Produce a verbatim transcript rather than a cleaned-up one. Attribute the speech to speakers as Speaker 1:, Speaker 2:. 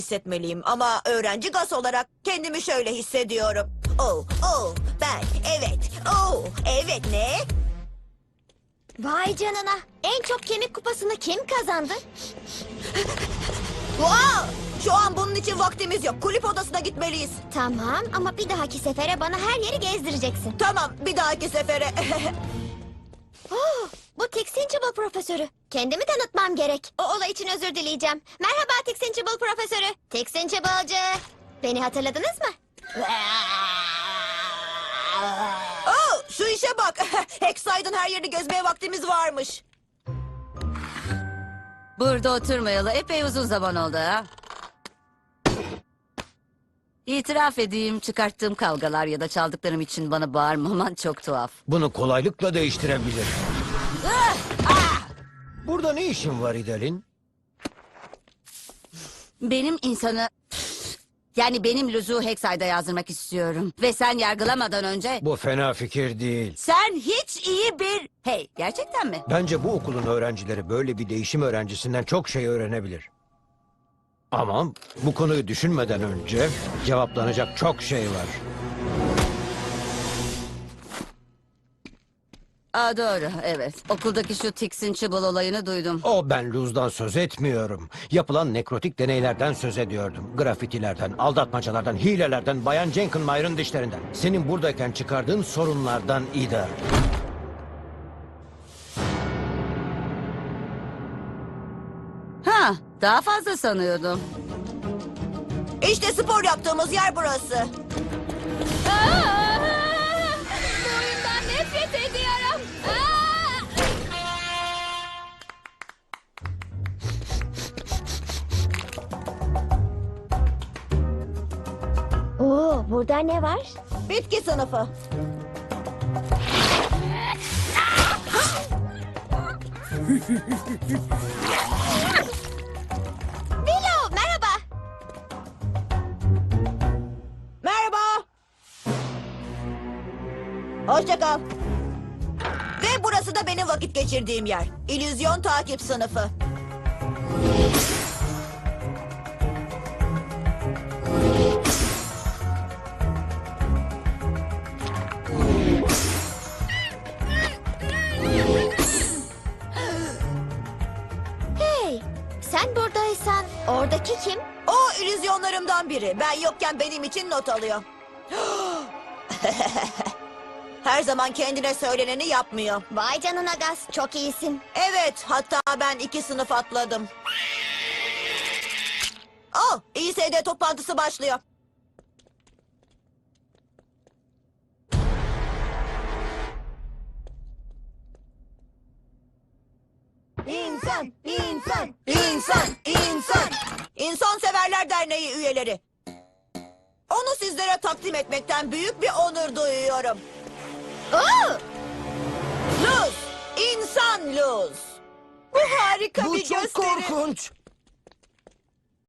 Speaker 1: hissetmeliyim ama öğrenci gaz olarak kendimi şöyle hissediyorum. Oh, oh, ben, evet, oh, evet ne?
Speaker 2: Vay canına. En çok kemik kupasını kim kazandı?
Speaker 1: Wow! Şu an bunun için vaktimiz yok. Kulüp odasına gitmeliyiz.
Speaker 2: Tamam ama bir dahaki sefere bana her yeri gezdireceksin.
Speaker 1: Tamam, bir dahaki sefere.
Speaker 2: Oh, bu Tixinchibble profesörü. Kendimi tanıtmam gerek. O olay için özür dileyeceğim. Merhaba Tixinchibble profesörü. Tixinchibble'cı. Beni hatırladınız mı?
Speaker 1: Oh, şu işe bak. Hexaid'ın her yerini gezmeye vaktimiz varmış.
Speaker 3: Burada oturmayalı epey uzun zaman oldu ha. İtiraf edeyim, çıkarttığım kavgalar ya da çaldıklarım için bana bağırmaman çok tuhaf.
Speaker 4: Bunu kolaylıkla değiştirebilir. Burada ne işin var İdelin?
Speaker 3: Benim insanı... Yani benim Luz'u Hexaid'a yazdırmak istiyorum. Ve sen yargılamadan önce...
Speaker 4: Bu fena fikir değil.
Speaker 3: Sen hiç iyi bir... Hey, gerçekten mi?
Speaker 4: Bence bu okulun öğrencileri böyle bir değişim öğrencisinden çok şey öğrenebilir. Ama bu konuyu düşünmeden önce cevaplanacak çok şey var.
Speaker 3: Aa, doğru, evet. Okuldaki şu Tixinchibble olayını duydum.
Speaker 4: O ben Luz'dan söz etmiyorum. Yapılan nekrotik deneylerden söz ediyordum. Grafitilerden, aldatmacalardan, hilelerden, Bayan Jenkinmeyer'ın dişlerinden. Senin buradayken çıkardığın sorunlardan Ida.
Speaker 3: Ha, daha fazla sanıyordum.
Speaker 1: İşte spor yaptığımız yer burası.
Speaker 2: Bu oyundan nefret ediyorum. Oo, burada ne var?
Speaker 1: Bitki sınıfı.
Speaker 2: Willow, merhaba.
Speaker 1: Merhaba. Hoşça kal. Ve burası da benim vakit geçirdiğim yer. İllüzyon takip sınıfı.
Speaker 2: Hey, sen buradaysan oradaki kim?
Speaker 1: O illüzyonlarımdan biri. Ben yokken benim için not alıyor. Her zaman kendine söyleneni yapmıyor.
Speaker 2: Vay canına Gaz, çok iyisin.
Speaker 1: Evet, hatta ben iki sınıf atladım. Oh, İ S D toplantısı başlıyor. İnsan, insan, insan, insan. İnsan Severler Derneği üyeleri. Onu sizlere takdim etmekten büyük bir onur duyuyorum.
Speaker 2: Oo!
Speaker 1: Luz, insan Luz. Bu harika
Speaker 5: Bu
Speaker 1: bir
Speaker 5: çok
Speaker 1: gösteri.
Speaker 5: korkunç.